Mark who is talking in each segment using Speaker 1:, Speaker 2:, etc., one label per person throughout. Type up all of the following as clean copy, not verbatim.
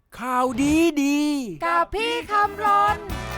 Speaker 1: ข่าวดีดี
Speaker 2: กับพี่คำรน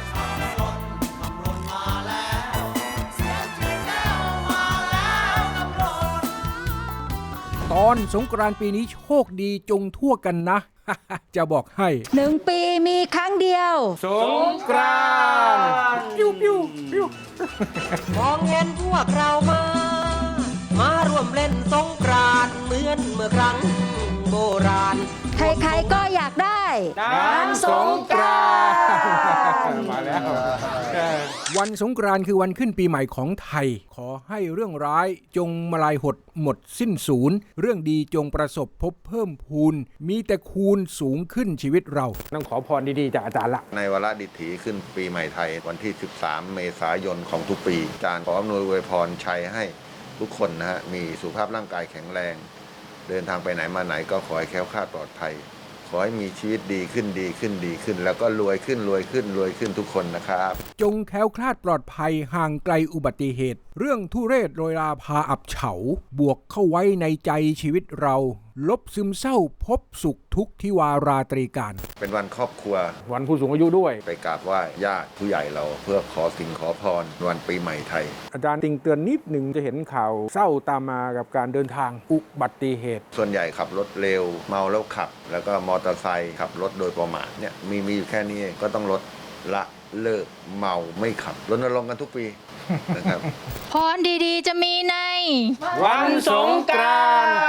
Speaker 1: ตอนสงกรานต์ปีนี้โชคดีจงทั่วกันนะ จะบอกให้
Speaker 2: 1 ปีมีครั้งเดียว
Speaker 1: สงกรานต์ปิ้วปิ้วปิ้ว
Speaker 3: มองเห็นพวกเรามาร่วมเล่นสงกรานต์เหมือนเมื่อครั้งโบราณ
Speaker 2: ใครๆก็อยากได้
Speaker 1: น้ำสงกรานต์มาแล้ววันสงกรานต์คือวันขึ้นปีใหม่ของไทยขอให้เรื่องร้ายจงมาลายหดหมดสิ้นสูญเรื่องดีจงประสบพบเพิ่มพูนมีแต่คูณสูงขึ้นชีวิตเราต้องขอพรดีๆจากอาจารย์ละ
Speaker 4: ในวาระดิถีขึ้นปีใหม่ไทยวันที่13 เมษายนของทุกปีอาจารย์ขออำนวยอวยพรชัยให้ทุกคนนะฮะมีสุขภาพร่างกายแข็งแรงเดินทางไปไหนมาไหนก็ขอให้แคล้วคลาดปลอดภัยขอให้มีชีวิตดีขึ้นดีขึ้นดีขึ้นแล้วก็รวยขึ้นรวยขึ้นรวยขึ้นทุกคนนะครับ
Speaker 1: จงแคล้วคลาดปลอดภัยห่างไกลอุบัติเหตุเรื่องทุเรศโรยราพาอับเฉาบวกเข้าไว้ในใจชีวิตเราลบซึมเศร้าพบสุขทุกทิวาราตรีการ
Speaker 4: เป็นวันครอบครัว
Speaker 1: วันผู้สูงอายุด้วย
Speaker 4: ไปกราบไหว้ญาติผู้ใหญ่เราเพื่อขอสิ่งขอพรวันปีใหม่ไทย
Speaker 1: อาจารย์ติงเตือนนิดหนึ่งจะเห็นข่าวเศร้าตามมากับการเดินทางอุบัติเหตุ
Speaker 4: ส่วนใหญ่ขับรถเร็วเมาแล้วขับแล้วก็มอเตอร์ไซค์ขับรถโดยประมาทเนี่ยมีอยู่แค่นี้เองก็ต้องลดละเลิกเมาไม่ขับรณรงค์กันทุกปีนะครับ
Speaker 2: พรดีๆจะมีใน
Speaker 1: วันสงกรานต์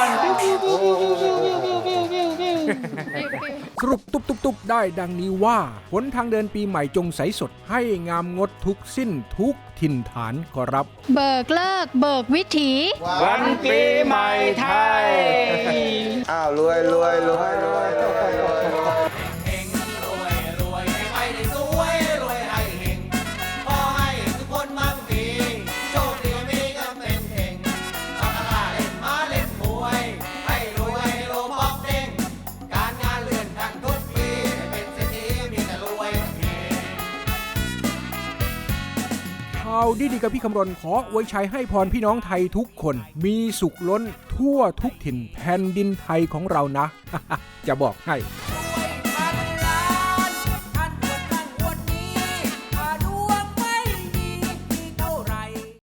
Speaker 1: สรุปตุบๆได้ดังนี้ว่าหนทางเดินปีใหม่จงใสสดให้งามงดทุกสิ้นทุกถิ่นฐานขอรับ
Speaker 2: เบิกเลิกเบิกวิถี
Speaker 1: วันปีใหม่ไทย
Speaker 4: อ้าวรวยรวยรวยรวยรวยรวย
Speaker 1: ข่าวดีๆกับพี่คำรณขออวยชัยให้พรพี่น้องไทยทุกคนมีสุขล้นทั่วทุกถิ่นแผ่นดินไทยของเรานะ จะบอกให้